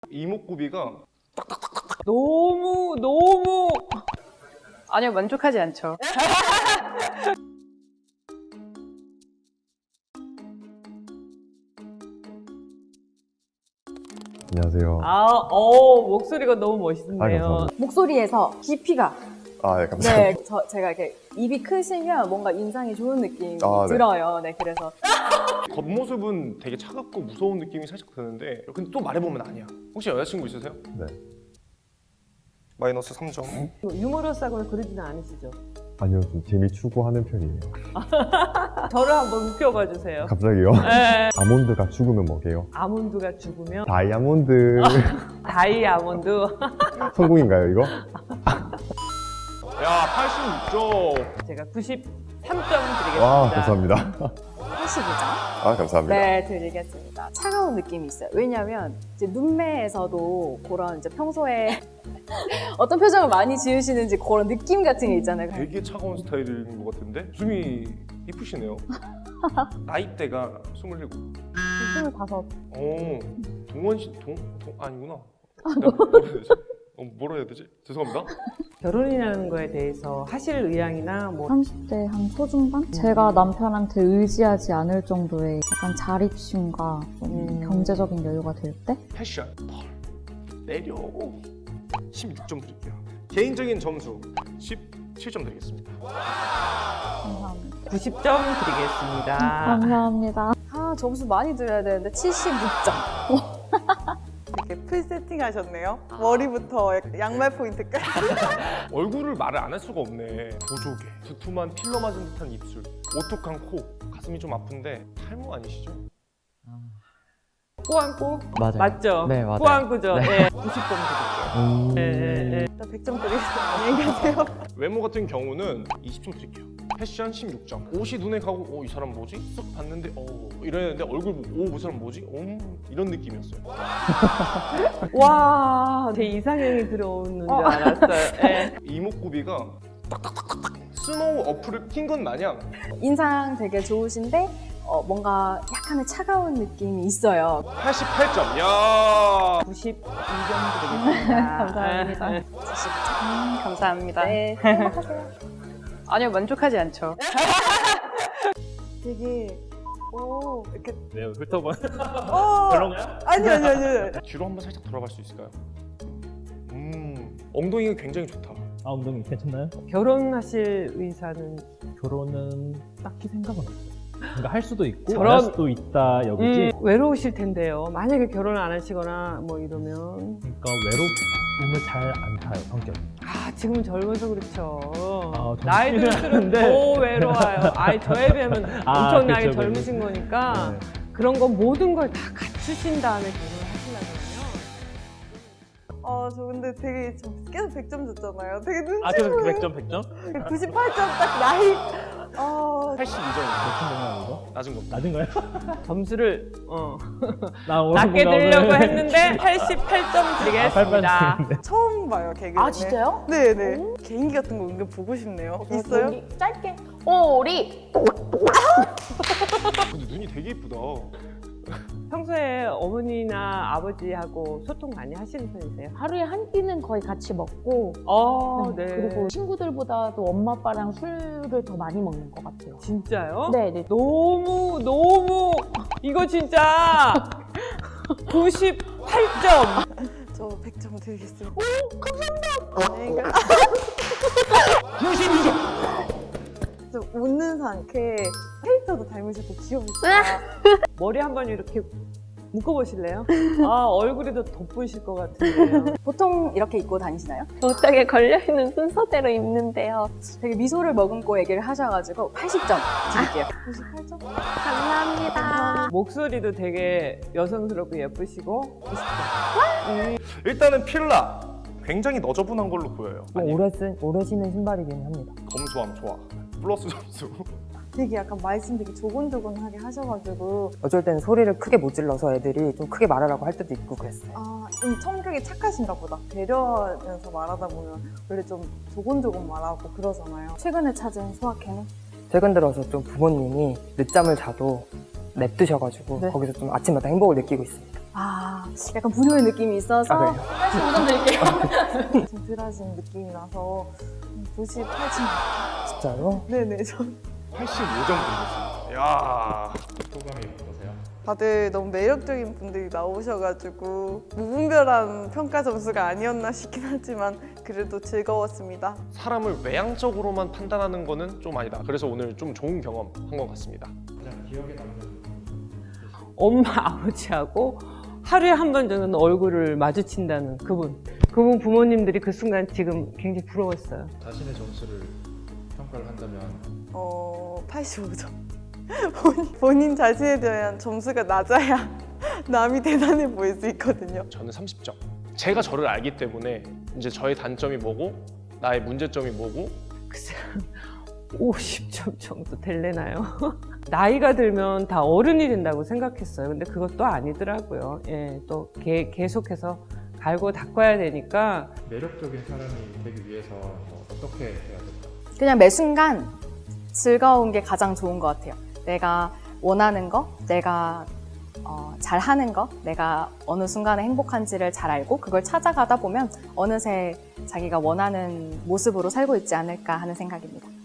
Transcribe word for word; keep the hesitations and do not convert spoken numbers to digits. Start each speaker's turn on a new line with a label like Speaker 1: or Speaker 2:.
Speaker 1: 이목구비가
Speaker 2: 너무 너무 아니요, 만족하지 않죠.
Speaker 3: 안녕하세요.
Speaker 2: 아, 어, 목소리가 너무
Speaker 3: 아,
Speaker 2: 멋있네요.
Speaker 3: 감사합니다.
Speaker 4: 목소리에서 깊이가
Speaker 3: 아, 예, 감사합니다.
Speaker 4: 네, 저, 제가 이렇게 입이 크시면 뭔가 인상이 좋은 느낌이
Speaker 3: 아, 네.
Speaker 4: 들어요. 네, 그래서
Speaker 1: 겉모습은 되게 차갑고 무서운 느낌이 살짝 드는데 근데 또 말해보면 아니야. 혹시 여자친구 있으세요?
Speaker 3: 네.
Speaker 1: 마이너스 삼 점.
Speaker 2: 유머러스하거나 그러지는 않으시죠?
Speaker 3: 아니요, 좀 재미 추구하는 편이에요.
Speaker 2: 저를 한번 웃겨봐 주세요.
Speaker 3: 갑자기요?
Speaker 2: 네.
Speaker 3: 아몬드가 죽으면 뭐게요?
Speaker 2: 아몬드가 죽으면
Speaker 3: 다이아몬드.
Speaker 2: 다이아몬드.
Speaker 3: 성공인가요, 이거?
Speaker 1: 야, 팔십육 점.
Speaker 2: 제가 구십삼 점 드리겠습니다.
Speaker 3: 와, 감사합니다.
Speaker 4: 팔십이 점.
Speaker 3: 아, 감사합니다.
Speaker 4: 네, 드리겠습니다. 차가운 느낌이 있어요. 왜냐면 이제 눈매에서도 그런 이제 평소에 어떤 표정을 많이 지으시는지 그런 느낌 같은 게 있잖아요.
Speaker 1: 되게 차가운 스타일인 것 같은데 웃음이 이쁘시네요. 나이대가 스물일곱.
Speaker 4: 스물다섯.
Speaker 1: 어, 동원 씨, 동, 동 아니구나. 내가 뭐라 해야 되지? 어, 뭐라 해야 되지? 죄송합니다.
Speaker 2: 결혼이라는 거에 대해서 하실 의향이나 뭐
Speaker 5: 삼십 대 한 초중반? 제가 남편한테 의지하지 않을 정도의 약간 자립심과 좀
Speaker 2: 음.
Speaker 5: 경제적인 여유가 될 때?
Speaker 1: 패션, 펄, 내려. 십육 점 드릴게요. 개인적인 점수 십칠 점 드리겠습니다.
Speaker 5: 감사합니다.
Speaker 2: 구십 점 드리겠습니다.
Speaker 5: 감사합니다.
Speaker 4: 아, 점수 많이 드려야 되는데 칠십육 점.
Speaker 6: 이렇게 풀 세팅 하셨네요. 머리부터 양말 포인트까지.
Speaker 1: 얼굴을 말을 안 할 수가 없네. 보조개, 두툼한 필러 맞은 듯한 입술, 오똑한 코, 가슴이 좀 아픈데 탈모 아니시죠?
Speaker 2: 꾸안꾸?
Speaker 7: 맞아요.
Speaker 2: 맞죠?
Speaker 7: 네, 맞아요.
Speaker 2: 꾸안꾸죠?
Speaker 7: 네.
Speaker 2: 네. 구십 점 드릴게요.
Speaker 7: 음...
Speaker 2: 네, 네, 네.
Speaker 6: 일단 백 점 드리겠습니다. 안녕히 가세요.
Speaker 1: 외모 같은 경우는 이십 점 드릴게요. 패션 십육 점. 옷이 눈에 가고 어, 이 사람 뭐지? 쓱 봤는데 어 이랬는데 얼굴 보고 오, 이 사람 뭐지? 음, 이런 느낌이었어요.
Speaker 2: 와, 제 이상형이 들어오는 줄 알았어요. 네.
Speaker 1: 이목구비가 딱딱딱딱딱 스노우 어플을 킨 건 마냥
Speaker 4: 인상 되게 좋으신데 어, 뭔가 약간의 차가운 느낌이 있어요.
Speaker 1: 팔십팔 점. 야.
Speaker 2: 구십이 점 드리겠습니다.
Speaker 4: 감사합니다.
Speaker 2: 네.
Speaker 4: 칠십구 점.
Speaker 2: 감사합니다.
Speaker 4: 네, 행복하세요.
Speaker 2: 아니요, 만족하지 않죠.
Speaker 6: 되게 오 이렇게
Speaker 8: 왜요? 훑어봐.
Speaker 6: 어
Speaker 8: 별론가요?
Speaker 6: 아니 아니 아니.
Speaker 1: 뒤로 한번 살짝 돌아갈 수 있을까요? 음, 엉덩이가 굉장히 좋다.
Speaker 8: 아, 엉덩이 괜찮나요?
Speaker 2: 결혼하실 의사는
Speaker 8: 결혼은 딱히 생각은 없어요. 그러니까 할 수도 있고
Speaker 2: 저런-
Speaker 8: 안 할 수도 있다 여기지.
Speaker 2: 음, 외로우실 텐데요. 만약에 결혼을 안 하시거나 뭐 이러면
Speaker 8: 그러니까 외로움을 잘 안 타요 성격.
Speaker 2: 아, 지금은 젊어서 그렇죠.
Speaker 8: 아,
Speaker 2: 나이
Speaker 8: 젊지는
Speaker 2: 들수록
Speaker 8: 않은데.
Speaker 2: 더 외로워요. 아이, 저에 비하면
Speaker 8: 아,
Speaker 2: 엄청나게
Speaker 8: 그쵸, 그쵸.
Speaker 2: 젊으신 거니까
Speaker 8: 네.
Speaker 2: 그런 거 모든 걸 다 갖추신 다음에 결혼을 하시려면
Speaker 6: 어저 근데 되게 저 계속 백 점 줬잖아요. 되게 눈치
Speaker 8: 아, 그래서
Speaker 6: 보여요.
Speaker 8: 백 점 백 점?
Speaker 6: 구십팔 점 딱 나이. 어
Speaker 1: 팔십이 점.
Speaker 8: 몇점 되나 이거?
Speaker 1: 낮은 겁니다.
Speaker 8: 낮은 거예요?
Speaker 2: 점수를 어,
Speaker 8: 나 오늘
Speaker 2: 낮게
Speaker 8: 뭔가
Speaker 2: 드리려고
Speaker 8: 오늘-
Speaker 2: 했는데 팔십팔 점
Speaker 8: 아,
Speaker 2: 드리겠습니다.
Speaker 8: 팔팔 점인데.
Speaker 6: 처음 봐요 개그.
Speaker 4: 아, 진짜요?
Speaker 6: 네네. 개인기 같은 거 은근 보고 싶네요. 있어요?
Speaker 4: 우리 짧게. 오리.
Speaker 1: 근데 눈이 되게 이쁘다.
Speaker 2: 평소에 어머니나 아버지하고 소통 많이 하시는 편이세요?
Speaker 9: 하루에 한 끼는 거의 같이 먹고
Speaker 2: 어,
Speaker 9: 네,
Speaker 2: 네.
Speaker 9: 그리고 친구들보다도 엄마 아빠랑 술을 더 많이 먹는 것 같아요.
Speaker 2: 진짜요?
Speaker 9: 네, 네.
Speaker 2: 너무 너무 이거 진짜 구십팔 점.
Speaker 6: 저 백 점 드리겠습니다. 오 감사합니다. 안녕히 가.
Speaker 1: 구십이 점.
Speaker 6: 저 웃는 상쾌 캐릭터도 닮으셨고 귀여우시다.
Speaker 2: 머리 한번 이렇게 묶어보실래요? 아, 얼굴이 더 돋보이실 것 같은데요.
Speaker 4: 보통 이렇게 입고 다니시나요?
Speaker 9: 옷장에 걸려있는 순서대로 입는데요.
Speaker 4: 되게 미소를 머금고 얘기를 하셔가지고 팔십 점 드릴게요.
Speaker 6: 구십팔 점?
Speaker 9: 감사합니다.
Speaker 2: 목소리도 되게 여성스럽고 예쁘시고
Speaker 1: 일단은 필라 굉장히 너저분한 걸로 보여요. 아니,
Speaker 7: 오래 쓴 오래 신은 신발이긴 합니다.
Speaker 1: 검소함 좋아. 플러스 점수.
Speaker 6: 되게 약간 말씀 되게 조곤조곤하게 하셔가지고
Speaker 7: 어쩔 때는 소리를 크게 못 질러서 애들이 좀 크게 말하라고 할 때도 있고 그랬어요.
Speaker 6: 아, 좀 성격이 착하신가 보다. 배려하면서 말하다 보면 원래 좀 조곤조곤 말하고 그러잖아요.
Speaker 4: 최근에 찾은 소확행은?
Speaker 7: 최근 들어서 좀 부모님이 늦잠을 자도 냅두셔가지고
Speaker 4: 네.
Speaker 7: 거기서 좀 아침마다 행복을 느끼고 있습니다.
Speaker 4: 아, 약간 불효의 느낌이 있어서
Speaker 8: 아, 네.
Speaker 4: 팔십오 점 드릴게요.
Speaker 6: 좀 덜하신 느낌이 나서 구십팔 점.
Speaker 7: 진짜요?
Speaker 6: 네네. 저
Speaker 1: 팔십오 점 드리겠습니다. 야.
Speaker 8: 소감이 어떠세요?
Speaker 6: 다들 너무 매력적인 분들이 나오셔가지고 무분별한 평가 점수가 아니었나 싶긴 하지만 그래도 즐거웠습니다.
Speaker 1: 사람을 외향적으로만 판단하는 거는 좀 아니다. 그래서 오늘 좀 좋은 경험 한 것 같습니다.
Speaker 8: 가장 기억에 남는
Speaker 2: 엄마 아버지하고 하루에 한 번 정도는 얼굴을 마주친다는 그분. 그분 부모님들이 그 순간 지금 굉장히 부러웠어요.
Speaker 8: 자신의 점수를 평가를 한다면
Speaker 6: 어, 팔십오 점. 본인, 본인 자신에 대한 점수가 낮아야 남이 대단해 보일 수 있거든요.
Speaker 1: 저는 삼십 점. 제가 저를 알기 때문에 이제 저의 단점이 뭐고 나의 문제점이 뭐고
Speaker 2: 글쎄 오십 점 정도 될래나요? 나이가 들면 다 어른이 된다고 생각했어요. 근데 그것도 아니더라고요. 예, 또 개, 계속해서 갈고 닦아야 되니까
Speaker 8: 매력적인 사람이 되기 위해서 뭐 어떻게 해야 될까?
Speaker 4: 그냥 매 순간 즐거운 게 가장 좋은 것 같아요. 내가 원하는 거, 내가 어, 잘하는 거, 내가 어느 순간에 행복한지를 잘 알고 그걸 찾아가다 보면 어느새 자기가 원하는 모습으로 살고 있지 않을까 하는 생각입니다.